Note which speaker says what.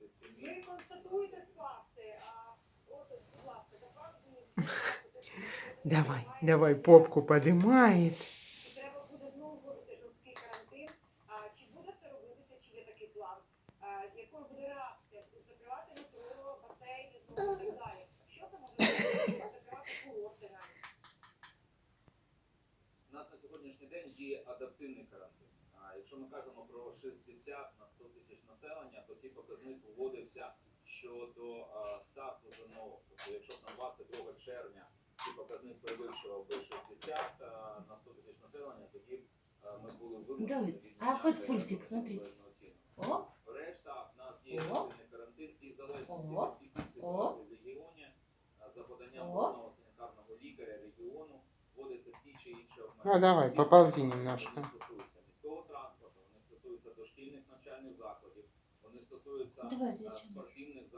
Speaker 1: Ви констатуєте факти, а от, будь ласка,
Speaker 2: Давай, давай, попку поднимает.
Speaker 1: і треба буде знову вводити жорсткий карантин. Чи буде це робитися, чи є такий план? Якою буде реакція? Закривати метро, басейни, знову і так далі. Що це може зробити? Закривати курорти навіть.
Speaker 3: У нас на сьогоднішній день діє адаптивний карантин. Якщо ми кажемо про 60 на 100 тисяч населення, то цей показник вводився щодо старту ЗНО. Тобто, якщо б на 22 червня цей показник перевищував би 60 на 100 тисяч населення, тоді б ми були вимушені
Speaker 4: Давид, а хоть пультик, смотри. Оп,
Speaker 3: Решта в нас діє адаптивний карантин і залежно
Speaker 4: Оп.
Speaker 3: від ситуації в регіоні, за поданням
Speaker 4: Оп.
Speaker 3: головного санітарного лікаря регіону вводиться ті чи інші
Speaker 2: Ну,
Speaker 3: обмеження.
Speaker 2: давай,
Speaker 3: Ці
Speaker 2: поползи
Speaker 3: обмеження,
Speaker 2: немножко.
Speaker 3: Вони стосуються міського транспорту, вони стосуються дошкільних навчальних закладів, вони стосуються
Speaker 4: давай, зачем?
Speaker 3: спортивних